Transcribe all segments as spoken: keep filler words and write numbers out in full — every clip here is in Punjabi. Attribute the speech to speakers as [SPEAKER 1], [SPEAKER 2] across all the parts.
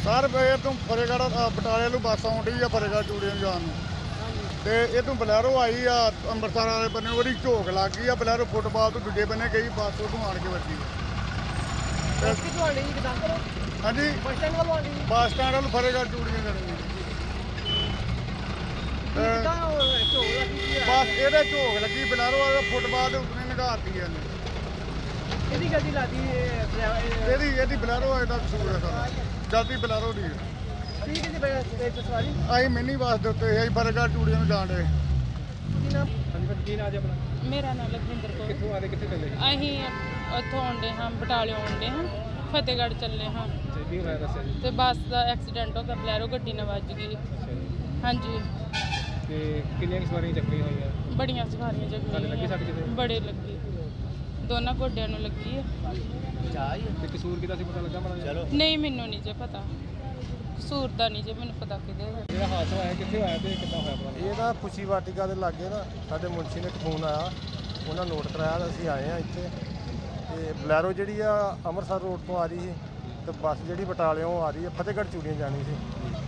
[SPEAKER 1] सर ये तो फतेहगढ़ बटाले ਨੂੰ ਬੱਸ ਆਉਂਦੀ ਆ ਫਤਿਹਗੜ੍ਹ ਚੂੜੀਆਂ ਜਾਣ ਨੂੰ ਤੇ ਇਹ ਤੋਂ ਬਲੈਰੋ ਆਈ ਆ ਅੰਮ੍ਰਿਤਸਰ ਵਾਲੇ ਬੰਨੇ ਉਹਦੀ ਝੋਕ ਲੱਗ ਗਈ ਆ ਬਲੈਰੋ ਫੁੱਟਬਾਲ ਤੋਂ ਦੂਜੇ ਬੰਨੇ ਗਈ ਬੱਸ ਉਹ ਤੋਂ ਆਣ ਕੇ ਵੱਜੀ
[SPEAKER 2] ਬੱਸ ਕਿੱਥੋਂ ਆਣੀ ਜੀ ਦੱਸ ਕਰੋ
[SPEAKER 1] ਹਾਂਜੀ
[SPEAKER 2] ਬੱਸ ਸਟੈਂਡ ਵੱਲੋਂ ਆਣੀ
[SPEAKER 1] ਬੱਸ ਸਟੈਂਡ ਵੱਲ ਫਤਿਹਗੜ੍ਹ ਚੂੜੀਆਂ ਜਾਣੀ
[SPEAKER 2] ਕਿੱਦਾਂ ਝੋਕ ਲੱਗੀ
[SPEAKER 1] ਬੱਸ ਇਹਦੇ ਝੋਕ ਲੱਗੀ ਬਲੈਰੋ ਵਾਲਾ ਫੁੱਟਬਾਲ ਦੇ ਉੱਤੇ ਨਿਗਾਰਤੀ ਇਹਨੇ
[SPEAKER 2] ਇਹਦੀ ਗੱਡੀ ਲਾਦੀ
[SPEAKER 1] ਇਹਦੀ ਇਹਦੀ ਬਲੈਰੋ ਦਾ ਕਸੂਰ ਹੈ ਸਾਰਾ ਜਲਦੀ ਬਲੈਰੋ ਦੀ
[SPEAKER 2] ਠੀਕ ਹੈ ਜੀ ਬਈ ਸਵਾਰੀ
[SPEAKER 1] ਅਸੀਂ ਮਿੰਨੀ ਬੱਸ ਦੇ ਉੱਤੇ ਅਸੀਂ ਫਤਿਹਗੜ੍ਹ ਚੂੜੀਆਂ ਨੂੰ ਜਾਣ ਡੇ
[SPEAKER 2] ਕੀ ਨਾਮ ਹਾਂਜੀ ਪਰ ਕੀ ਨਾਮ ਜੀ ਆਪਣਾ
[SPEAKER 3] ਮੇਰਾ ਨਾਮ ਲਖਵਿੰਦਰ ਕੌਰ।
[SPEAKER 2] ਕਿੱਥੋਂ ਆਦੇ ਕਿੱਥੇ ਚੱਲੇ
[SPEAKER 3] ਅਸੀਂ ਉੱਥੋਂ ਆਉਂਦੇ ਹਾਂ ਬਟਾਲੇ ਆਉਂਦੇ ਹਾਂ ਫਤਿਹਗੜ੍ਹ ਚੱਲੇ ਹਾਂ
[SPEAKER 2] ਕੀ ਹੋਇਆ ਦੱਸਿਆ ਜੀ
[SPEAKER 3] ਤੇ ਬੱਸ ਦਾ ਐਕਸੀਡੈਂਟ ਹੋ ਗਿਆ ਬਲੈਰੋ ਗੱਡੀ ਨਾਲ ਵੱਜ ਗਈ। ਹਾਂਜੀ
[SPEAKER 2] ਤੇ ਕਿੰਨੀਆਂ ਕੁ ਸਵਾਰੀਆਂ ਚੱਕੀਆਂ ਹੋਈਆਂ
[SPEAKER 3] ਬੜੀਆਂ ਸਵਾਰੀਆਂ
[SPEAKER 2] ਤੁਹਾਡੇ ਲੱਗੀ ਸੱਟ
[SPEAKER 3] ਜਗ੍ਹਾ
[SPEAKER 2] ਕਿਤੇ
[SPEAKER 3] ਬੜੇ ਲੱਗੀ ਦੋਨਾਂ ਗੋਡਿਆਂ ਨੂੰ ਲੱਗੀ ਹੈ।
[SPEAKER 2] ਤੇ ਕਸੂਰ ਕਿਹਦਾ ਸੀ ਪਤਾ ਲੱਗਾ ਮਾੜਾ
[SPEAKER 3] ਨਹੀਂ ਮੈਨੂੰ ਨਹੀਂ ਜੇ ਪਤਾ ਕਸੂਰ ਦਾ ਨਹੀਂ ਜੇ ਮੈਨੂੰ ਪਤਾ ਕਿਹਦੇ
[SPEAKER 2] ਜਿਹੜਾ ਹਾਦਸਾ ਹੋਇਆ ਕਿੱਥੇ ਹੋਇਆ ਤੇ ਕਿੱਦਾਂ ਹੋਇਆ ਪਤਾ
[SPEAKER 4] ਇਹ ਨਾ ਖੁਸ਼ੀ ਵਾਟਿਕਾ ਦੇ ਲਾਗੇ ਨਾ ਸਾਡੇ ਮੁਨਸ਼ੀ ਨੇ ਇੱਕ ਫੋਨ ਆਇਆ ਉਹਨਾਂ ਨੋਟ ਕਰਾਇਆ ਤਾਂ ਅਸੀਂ ਆਏ ਆ ਇੱਥੇ ਤੇ ਬਲੈਰੋ ਜਿਹੜੀ ਆ ਅੰਮ੍ਰਿਤਸਰ ਰੋਡ ਤੋਂ ਆ ਰਹੀ ਸੀ ਤੇ ਬੱਸ ਜਿਹੜੀ ਬਟਾਲਿਓਂ ਆ ਰਹੀ ਹੈ ਫਤਿਹਗੜ੍ਹ ਚੂੜੀਆਂ ਜਾਣੀ ਸੀ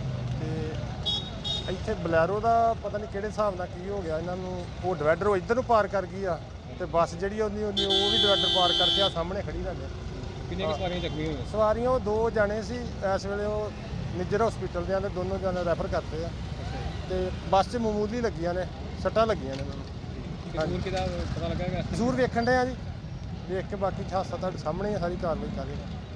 [SPEAKER 4] ਤੇ ਇੱਥੇ ਬਲੈਰੋ ਦਾ ਪਤਾ ਨਹੀਂ ਕਿਹੜੇ ਹਿਸਾਬ ਨਾਲ ਕੀ ਹੋ ਗਿਆ ਇਹਨਾਂ ਨੂੰ ਉਹ ਡਿਵਾਈਡਰ ਉਹ ਇੱਧਰ ਨੂੰ ਪਾਰ ਕਰ ਗਈ ਆ ਤੇ ਬੱਸ ਜਿਹੜੀ ਉਹਦੀ ਉਹਦੀ ਉਹ ਵੀ ਡਿਵਾਈਡਰ ਪਾਰ ਕਰਕੇ ਆ ਸਾਹਮਣੇ ਖੜੀ ਲੱਗ
[SPEAKER 2] ਕਿੰਨੀਆਂ ਕੁ ਸਵਾਰੀਆਂ ਚੱਕੀਆਂ ਹੋਈਆਂ
[SPEAKER 4] ਸਵਾਰੀਆਂ ਉਹ ਦੋ ਜਾਣੇ ਸੀ ਇਸ ਵੇਲੇ ਉਹ ਨਿੱਜਰ ਹਸਪੀਟਲ ਦੇ ਆਂਦੇ ਦੋਨੋਂ ਜਾਣੇ ਰੈਫਰ ਕਰਤੇ ਆ ਤੇ ਬੱਸ 'ਚ ਮਾਮੂਲੀ ਲੱਗੀਆਂ ਨੇ ਸੱਟਾਂ ਲੱਗੀਆਂ ਨੇ ਮੈਨੂੰ
[SPEAKER 2] ਕਸੂਰ ਕਿਹਦਾ ਪਤਾ ਲੱਗਾ
[SPEAKER 4] ਕਸੂਰ ਵੇਖਣ ਦੇ ਆ ਜੀ ਵੇਖ ਕੇ ਬਾਕੀ ਹਾਦਸਾ ਤੁਹਾਡੇ ਸਾਹਮਣੇ ਆ ਸਾਰੀ ਕਾਰਵਾਈ ਕਰ ਰਹੇ